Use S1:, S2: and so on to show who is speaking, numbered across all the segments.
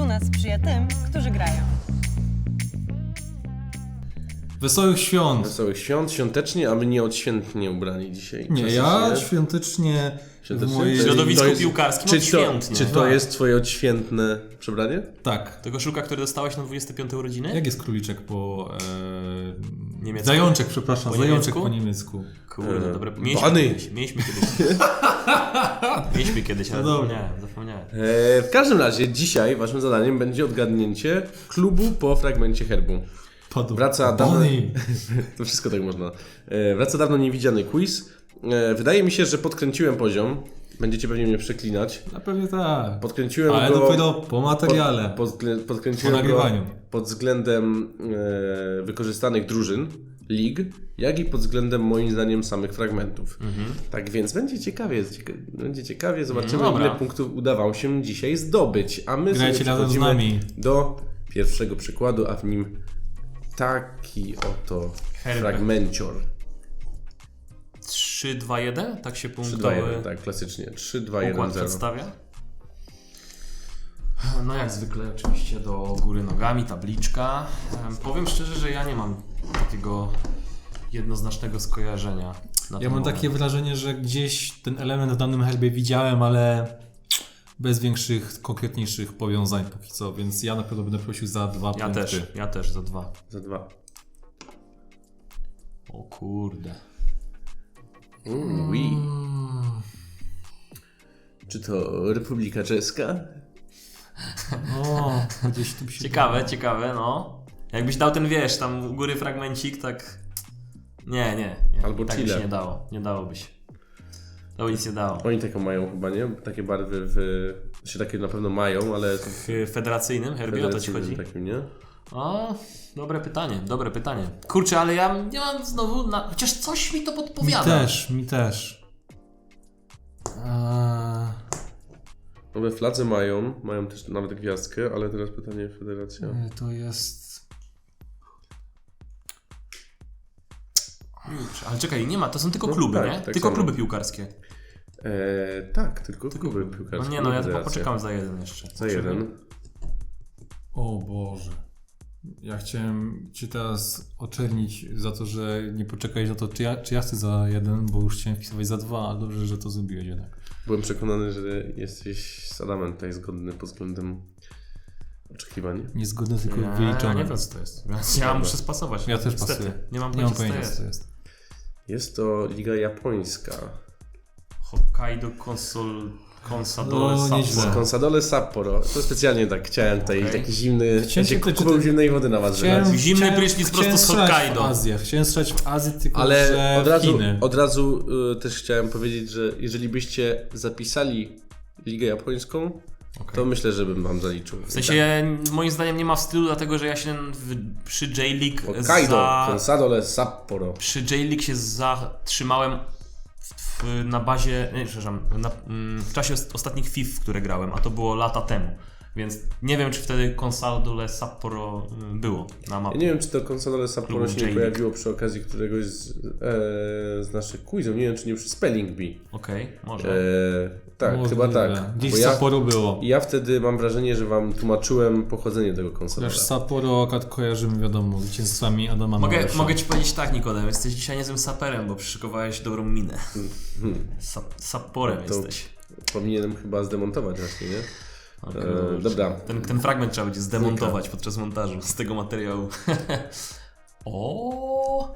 S1: Fortuna sprzyja tym, którzy grają.
S2: Wesołych świąt!
S3: Wesołych świąt, świątecznie, a my nie odświętnie ubrani dzisiaj.
S2: Nie, ja świątecznie w mojej...
S4: W środowisku piłkarskim odświętnie.
S3: Czy to jest twoje odświętne przebranie?
S2: Tak.
S4: Tego koszulka, który dostałeś na 25 urodziny?
S2: Jak jest króliczek po...
S4: Niemiecku?
S2: Zajączek, przepraszam.
S4: Po
S2: Zajączek
S4: niemiecku?
S2: po niemiecku.
S4: Kurde, dobre.
S3: Bany.
S4: Mieliśmy kiedyś, ale
S2: No
S4: zapomniałem.
S3: W każdym razie dzisiaj waszym zadaniem będzie odgadnięcie klubu po fragmencie herbu. Wraca dawno... To wszystko tak można. Wraca dawno niewidziany quiz. Wydaje mi się, że podkręciłem poziom. Będziecie pewnie mnie przeklinać.
S2: Na pewnie tak.
S3: Podkręciłem
S2: Ale
S3: go...
S2: dopiero po materiale.
S3: Podkręciłem
S2: po nagrywaniu.
S3: go pod względem wykorzystanych drużyn, lig, jak i pod względem moim zdaniem samych fragmentów. Tak więc będzie ciekawie. Zobaczymy,
S4: Dobra.
S3: ile punktów udawało się dzisiaj zdobyć. A my
S2: Grajcie
S3: sobie
S2: razem z
S3: przechodzimy
S2: nami.
S3: do pierwszego przykładu, a w nim taki oto fragmencior.
S4: 3, 2, 1? Tak się
S3: 3,
S4: punktowy
S3: 2, 1, tak, klasycznie. 3, 2, 1,
S4: układ
S3: 0.
S4: przedstawia. No jak zwykle oczywiście do góry nogami, tabliczka. Powiem szczerze, że ja nie mam takiego jednoznacznego skojarzenia. Na
S2: Ja
S4: ten
S2: mam
S4: moment.
S2: takie wrażenie, że gdzieś ten element w danym herbie widziałem, ale bez większych, konkretniejszych powiązań póki co, więc ja na pewno będę prosił za 2 punkty.
S4: Ja też za 2.
S3: Za 2.
S4: O kurde.
S3: Oui. Czy to Republika Czeska?
S2: O, gdzieś tu się...
S4: Ciekawe, no. Jakbyś dał ten, wiesz, tam u góry fragmencik, tak... Nie.
S3: Albo
S4: tak
S3: Chile.
S4: by się nie dało. Nie dałoby się. To by nic nie dało.
S3: Oni taką mają chyba, nie? Takie barwy się takie na pewno mają, ale...
S4: W federacyjnym herbie o to ci chodzi?
S3: Takim, nie?
S4: O, dobre pytanie. Kurczę, ale ja nie mam znowu... Chociaż coś mi to podpowiada.
S2: Mi też.
S3: No we fladze mają też nawet gwiazdkę, ale teraz pytanie federacja.
S2: To jest...
S4: Kurczę, ale czekaj, nie ma, to są tylko
S3: No
S4: kluby,
S3: tak,
S4: nie?
S3: tak
S4: Tylko
S3: samo.
S4: kluby piłkarskie.
S3: Tak, tylko kluby piłkarskie.
S4: No nie, no ja
S3: federacja.
S4: poczekam za jeden jeszcze.
S3: Za jeden.
S2: O Boże. Ja chciałem Cię teraz oczernić za to, że nie poczekałeś na to, czy ja chcę za 1, bo już chciałem wpisywać za 2, ale dobrze, że to zrobiłeś jednak.
S3: Byłem przekonany, że jesteś z Adamem tutaj zgodny pod względem oczekiwań.
S2: Niezgodne, tylko
S4: Ja
S2: wyliczone.
S4: nie wiem, co to jest. Ja muszę spasować.
S2: Ja też
S4: Niestety.
S2: pasuję.
S4: Nie mam
S2: pojęcia,
S4: pojęcia,
S2: co to jest.
S3: Jest to Liga Japońska.
S4: Hokkaido Consadole
S2: No, nieźle.
S4: Sapporo.
S3: Consadole Sapporo. To specjalnie tak chciałem tutaj
S4: Okej.
S3: taki zimny...
S2: Chciałem się pytać,
S3: kupował
S2: czy ty-
S3: zimnej wody na was wylać.
S4: Zimny prysznic prosto z Hokkaido.
S2: Chciałem strzelać w Azję, tylko
S3: Ale
S2: że w Chiny.
S3: od razu też chciałem powiedzieć, że jeżeli byście zapisali Ligę Japońską, to myślę, że bym wam zaliczył.
S4: W sensie moim zdaniem nie ma wstydu, dlatego że ja się przy J-League
S3: Hokkaido, Consadole Sapporo.
S4: przy J-League się zatrzymałem na bazie, nie, przepraszam, w czasie ostatnich FIF, w które grałem, a to było lata temu. Więc nie wiem, czy wtedy Consadole Sapporo było na
S3: Ja
S4: mapie.
S3: nie wiem, czy to Consadole Sapporo
S4: Klubu
S3: się nie
S4: J-League.
S3: pojawiło przy okazji któregoś z naszych quizów. Nie wiem, czy nie przy Spelling Bee.
S4: Okej, może.
S3: Tak,
S2: Możliwe.
S3: chyba tak.
S2: Gdzieś
S3: Bo
S2: w Sapporo było.
S3: ja wtedy mam wrażenie, że wam tłumaczyłem pochodzenie tego Consadola.
S2: Chociaż Sapporo akurat kojarzymy, wiadomo, zwycięstwami Adama Małysza.
S4: Mogę ci powiedzieć tak, Nikodem, jesteś dzisiaj niezłym saperem, bo przyszykowałeś dobrą minę. Saporem
S3: To
S4: jesteś.
S3: powinienem chyba zdemontować właśnie, nie?
S4: O kurczę.
S3: Dobra.
S4: Ten fragment trzeba będzie zdemontować podczas montażu z tego materiału. O.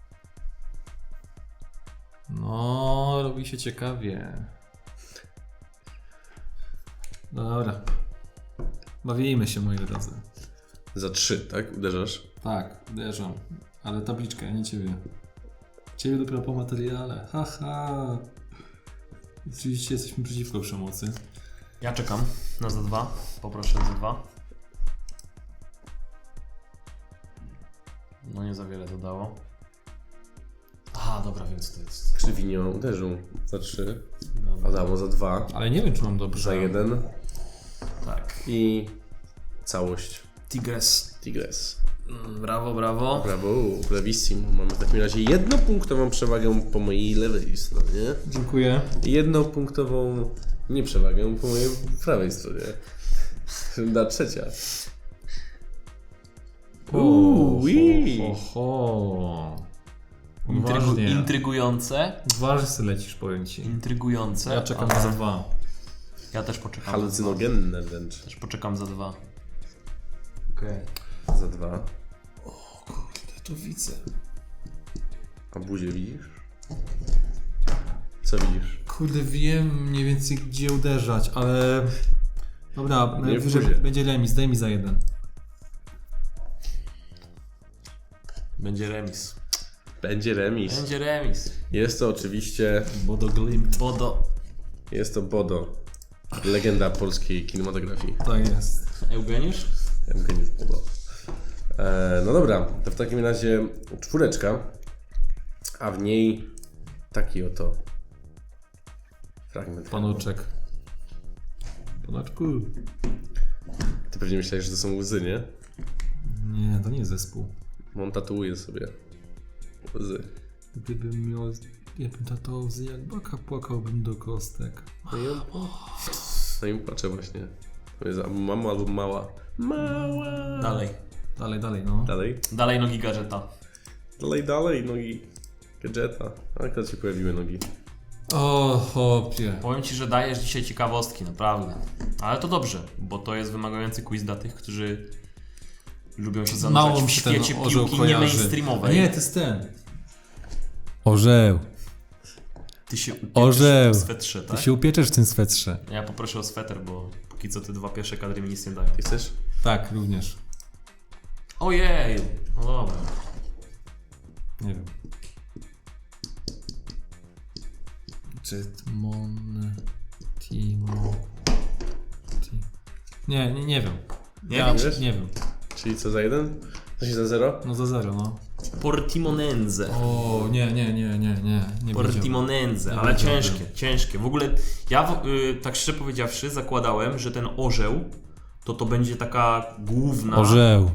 S2: No, robi się ciekawie. Dobra. Bawimy się, moi drodzy.
S3: Za 3, tak? Uderzasz?
S2: Tak, uderzam. Ale tabliczkę, nie ciebie. Ciebie dopiero po materiale. Haha. Oczywiście jesteśmy przeciwko przemocy.
S4: Ja czekam na za 2. Poproszę za 2. No nie za wiele to dało. Aha, dobra, wiem co to jest.
S3: Krzywinio uderzył za 3.
S4: Dobra.
S3: Adamo za 2.
S2: Ale nie wiem, czy mam dobrze.
S3: Za 1.
S4: Tak.
S3: I całość.
S4: Tigres.
S3: Tigres.
S4: Brawo, brawo.
S3: Brawo, bravissimo. Mamy w takim razie jednopunktową przewagę po mojej lewej stronie.
S2: Dziękuję.
S3: I jednopunktową nieprzewagę po mojej prawej stronie. Runda trzecia.
S2: Uważnie.
S4: Intrygujące.
S2: Uważnie sobie lecisz, powiem ci.
S4: Intrygujące.
S2: Ja czekam
S4: ale-
S2: za 2.
S4: Ja też poczekam.
S3: Halucynogenne wręcz.
S4: Też poczekam za 2. Okej.
S3: Za 2.
S2: Kurde, to widzę.
S3: A buzię widzisz? Co widzisz?
S2: Kurde, wiem mniej więcej gdzie uderzać, ale... Dobra,
S3: Nie w
S2: najwyżej
S3: buzie.
S2: będzie remis, daj mi za 1.
S4: Będzie remis.
S3: Będzie remis.
S4: Będzie remis.
S3: Jest to oczywiście...
S2: Bodo Glimt.
S4: Bodo.
S3: Jest to Bodo. Legenda polskiej kinematografii.
S2: Tak jest.
S4: Eugeniusz?
S3: Eugeniusz Bodo. No dobra, to w takim razie 4, a w niej taki oto fragment.
S2: Panuczek. Panaczku.
S3: Ty pewnie myślałeś, że to są łzy, nie?
S2: Nie, to nie jest zespół.
S3: On tatuuje sobie łzy.
S2: Gdybym miał... Ja bym tatał łzy jak baka, płakałbym do kostek.
S3: No i płaczę właśnie. To jest albo mama, albo mała. Mała!
S4: Dalej.
S2: Dalej, no.
S4: Dalej nogi gadżeta.
S3: Dalej, nogi gadżeta. A jak się pojawiły nogi?
S2: O, chłopie.
S4: Powiem ci, że dajesz dzisiaj ciekawostki, naprawdę. Ale to dobrze, bo to jest wymagający quiz dla tych, którzy lubią się zanurzać
S2: Mało
S4: w
S2: mi się ten
S4: świecie
S2: orzeł
S4: piłki nie
S2: kojarzy.
S4: mainstreamowej.
S2: Nie, to jest ten. Orzeł.
S4: Ty się upieczysz
S2: Orzeł.
S4: w swetrze, tak?
S2: Ty się upieczesz w tym swetrze.
S4: Ja poproszę o sweter, bo póki co te 2 pierwsze kadry mi nic nie dają.
S3: Ty chcesz?
S2: Tak, również.
S4: Ojej! No dobra.
S2: Nie wiem. Jetmon... Timo... Nie wiem.
S4: Nie
S2: Ja
S3: wiesz?
S2: nie wiem.
S3: Czyli co za 1? Co się za 0?
S2: No za 0, no.
S4: Portimonense.
S2: O, nie wiedziałem.
S4: Portimonense,
S2: Nie
S4: ale
S2: wiedziałbym.
S4: ciężkie. W ogóle ja tak szczerze powiedziawszy zakładałem, że ten orzeł to będzie taka główna,
S2: Orzeł.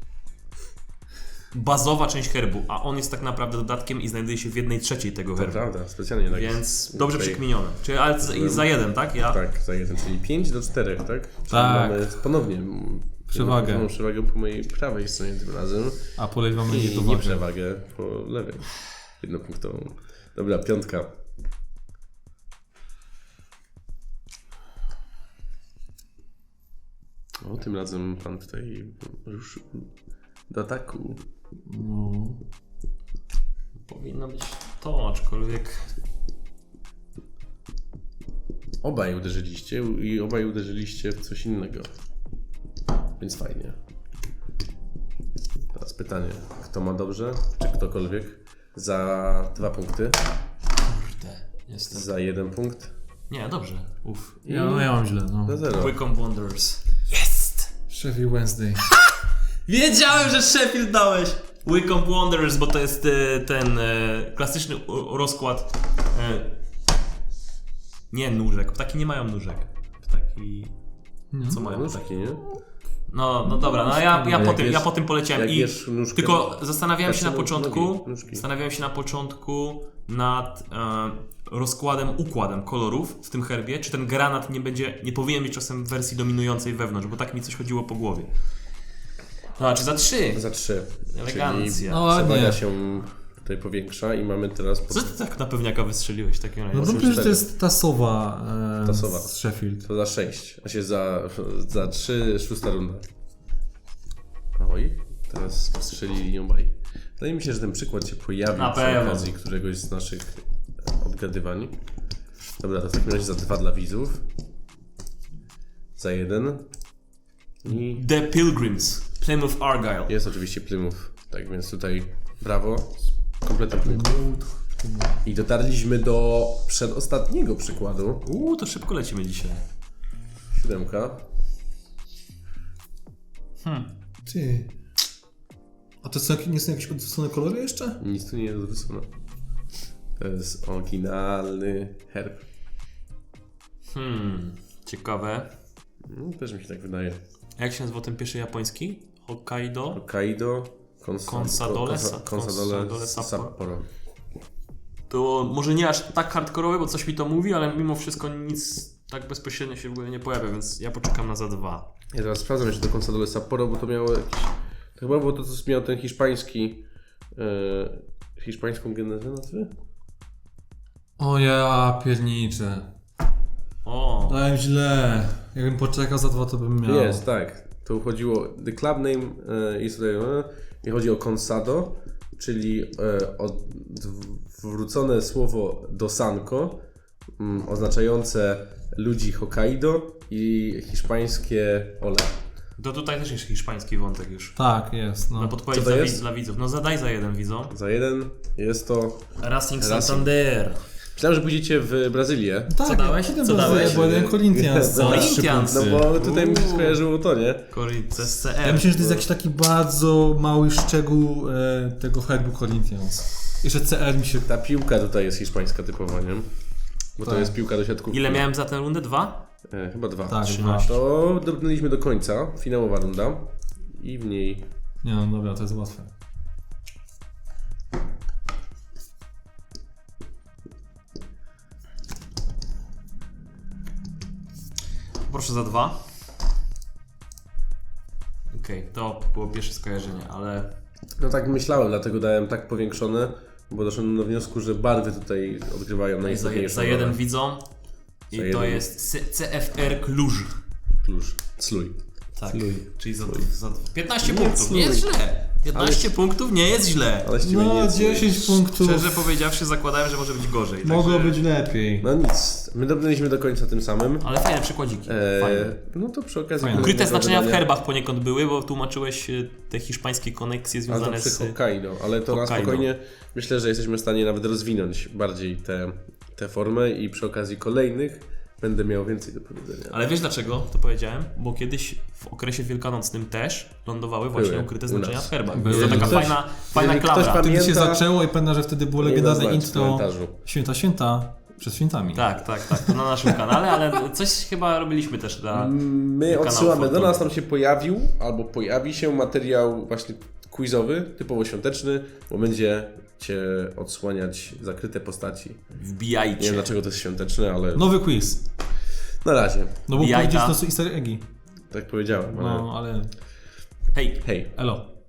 S4: bazowa część herbu, a on jest tak naprawdę dodatkiem i znajduje się w 1/3 tego
S3: To
S4: herbu.
S3: prawda, specjalnie tak.
S4: Więc dobrze
S3: Tutaj-
S4: przekminione. Czyli ale za 1, tak? Ja?
S3: Tak, za 1, czyli 5-4, tak? Czyli
S2: Tak.
S3: mamy ponownie
S2: Przewagę.
S3: Mam przewagę po mojej prawej stronie tym razem
S2: A polej wam będzie
S3: i
S2: to
S3: nie przewagę po lewej. Jednopunktową. Dobra, 5. O, tym razem pan tutaj już do ataku.
S2: No.
S4: Powinno być to, aczkolwiek
S3: Obaj uderzyliście i obaj uderzyliście w coś innego. Więc fajnie. Teraz pytanie, kto ma dobrze, czy ktokolwiek? Za 2 punkty,
S4: kurde, jestem.
S3: za 1 punkt,
S4: Nie, dobrze. Uff.
S2: Ja mam źle, no.
S3: za 0.
S4: Wycombe Wanderers. Jest!
S2: Sheffield Wednesday.
S4: Wiedziałem, że Sheffield dałeś! Wycombe Wanderers, bo to jest ten klasyczny rozkład. Nie nóżek, ptaki nie mają nóżek. Ptaki. Co mają
S3: No
S4: ptaki?
S3: taki, nie?
S4: No dobra, no ja po tym poleciałem
S3: jak
S4: i
S3: jesz nóżkę,
S4: tylko zastanawiałem się na
S3: nogi,
S4: początku,
S3: nóżki.
S4: nad układem kolorów w tym herbie, czy ten granat nie powinien być czasem w wersji dominującej wewnątrz, bo tak mi coś chodziło po głowie. No, czy za 3?
S3: Za 3.
S4: Elegancja.
S3: Czyli
S2: No ładnie.
S3: przewaga się tutaj powiększa i mamy teraz...
S4: Co ty tak na pewniaka wystrzeliłeś w takim razie?
S2: No
S3: Osiem,
S2: dobrze, że to
S3: cztery.
S2: jest ta sowa,
S3: Ta sowa.
S2: z Sheffield.
S3: To za 6, a się za 3, 6 runda. Oj, teraz strzelili obaj. Wydaje mi się, że ten przykład się pojawi
S4: Na
S3: przy
S4: pewno.
S3: okazji któregoś z naszych obgadywań. Dobra, to w takim razie za 2 dla widzów. Za 1. I
S4: The Pilgrims, Plymouth Argyle.
S3: jest oczywiście Plymouth. Tak więc tutaj brawo. Kompletny Plymouth. I dotarliśmy do przedostatniego przykładu.
S4: To szybko lecimy dzisiaj.
S3: 7.
S2: Ty. A to nie są jakieś odwrócone kolory jeszcze?
S3: Nic tu nie jest odwrócone. To jest oryginalny herb.
S4: Ciekawe.
S3: No, też mi się tak wydaje.
S4: Jak się nazywa ten pierwszy japoński? Hokkaido?
S3: Hokkaido,
S4: Consadole
S3: Sapporo.
S4: To może nie aż tak hardkorowe, bo coś mi to mówi, ale mimo wszystko nic tak bezpośrednio się w ogóle nie pojawia, więc ja poczekam na za 2.
S3: Ja teraz sprawdzam jeszcze do Consadole Sapporo, bo to miało jakiś... To chyba było to, co miał ten hiszpański... hiszpańską genezę nazwy?
S2: O ja pierniczę.
S4: O,
S2: Dałem źle. Jakbym poczekał za 2, to bym miał.
S3: Jest, tak. To chodziło... The club name jest tutaj... I chodzi o Consado, czyli odwrócone słowo dosanko, oznaczające ludzi Hokkaido i hiszpańskie ole.
S4: to tutaj też jest hiszpański wątek już.
S2: Tak, jest. No.
S4: Na podpowiedź
S3: Co to
S4: dla,
S3: jest?
S4: dla widzów. No zadaj za 1 widzom.
S3: Za 1 jest to...
S4: Racing Santander.
S3: Myślałem, że pójdziecie w Brazylię.
S2: Tak,
S4: Co dałeś?
S2: idę
S4: Co
S2: do
S4: dałeś?
S2: Bo jeden Corinthians.
S3: No,
S2: za 3
S4: Corinthians.
S2: punkty.
S3: No bo tutaj mi się skojarzyło to, nie?
S4: Corinthians CR.
S2: Ja myślę, że to jest jakiś taki bardzo mały szczegół tego herbu Corinthians. Jeszcze CR mi się...
S3: Ta piłka tutaj jest hiszpańska typowa, nie? Bo to
S2: Tak.
S3: jest piłka do siatkówki.
S4: Ile miałem za tę rundę? 2?
S3: Chyba 2.
S2: Tak,
S4: 13.
S3: To dobrnęliśmy do końca, finałowa runda. I w niej...
S2: Nie no dobra, to jest łatwe.
S4: Proszę za 2. Okej, to było pierwsze skojarzenie, ale
S3: No tak myślałem, dlatego dałem tak powiększone, bo doszedłem do wniosku, że barwy tutaj odgrywają najistotniejszą
S4: za 1
S3: rolę.
S4: widzą. I
S3: Za
S4: to
S3: jeden.
S4: jest CFR Cluj.
S3: Klucz. Slój.
S4: Tak,
S2: Sluj.
S4: czyli za 15
S3: Nie
S4: punktów.
S3: sluj.
S4: Nie jest źle. 15 punktów nie jest źle.
S3: Ale z ciebie
S2: No,
S3: nic.
S2: 10 punktów.
S4: Szczerze powiedziawszy, zakładałem, że może być gorzej.
S2: Mogło
S4: także...
S2: być lepiej.
S3: No nic, my dobrnęliśmy do końca tym samym.
S4: Ale fajne przykładziki. Fajne.
S3: No to przy okazji...
S2: Fajne.
S4: Ukryte
S3: kolejnego
S4: znaczenia w
S3: wydania.
S4: herbach poniekąd były, bo tłumaczyłeś te hiszpańskie koneksje
S3: Ale to
S4: związane
S3: przy
S4: z...
S3: Hokkaido, ale to na
S4: Hokkaido.
S3: spokojnie myślę, że jesteśmy w stanie nawet rozwinąć bardziej tę formę i przy okazji kolejnych będę miał więcej do powiedzenia.
S4: Ale wiesz dlaczego to powiedziałem? Bo kiedyś w okresie wielkanocnym też lądowały właśnie
S3: Były.
S4: ukryte
S3: U
S4: znaczenia
S3: nas.
S4: w herbach.
S2: Były.
S4: To taka
S3: Ktoś-
S4: fajna
S3: jeżeli ktoś
S4: klamra.
S3: pamięta-
S2: Wtedy się zaczęło i pamiętam, że wtedy było
S3: Nie
S2: legendarne
S3: znać w
S2: intro
S3: komentarzu.
S2: Święta przed świętami.
S4: Tak, to na naszym kanale, ale coś chyba robiliśmy też dla...
S3: My
S4: kanału
S3: odsyłamy do
S4: Fortuny.
S3: nas, tam się pojawił albo pojawi się materiał właśnie quizowy, typowo świąteczny, bo będziecie odsłaniać zakryte postaci. Nie wiem
S4: Wbijajcie.
S3: dlaczego to jest świąteczne, ale
S2: Nowy quiz.
S3: na razie,
S2: No bo
S4: Jajka.
S2: powiedzieć to są easter eggi.
S3: tak powiedziałem. Ale...
S2: No, ale...
S4: Hej.
S3: Hej.
S2: Elo.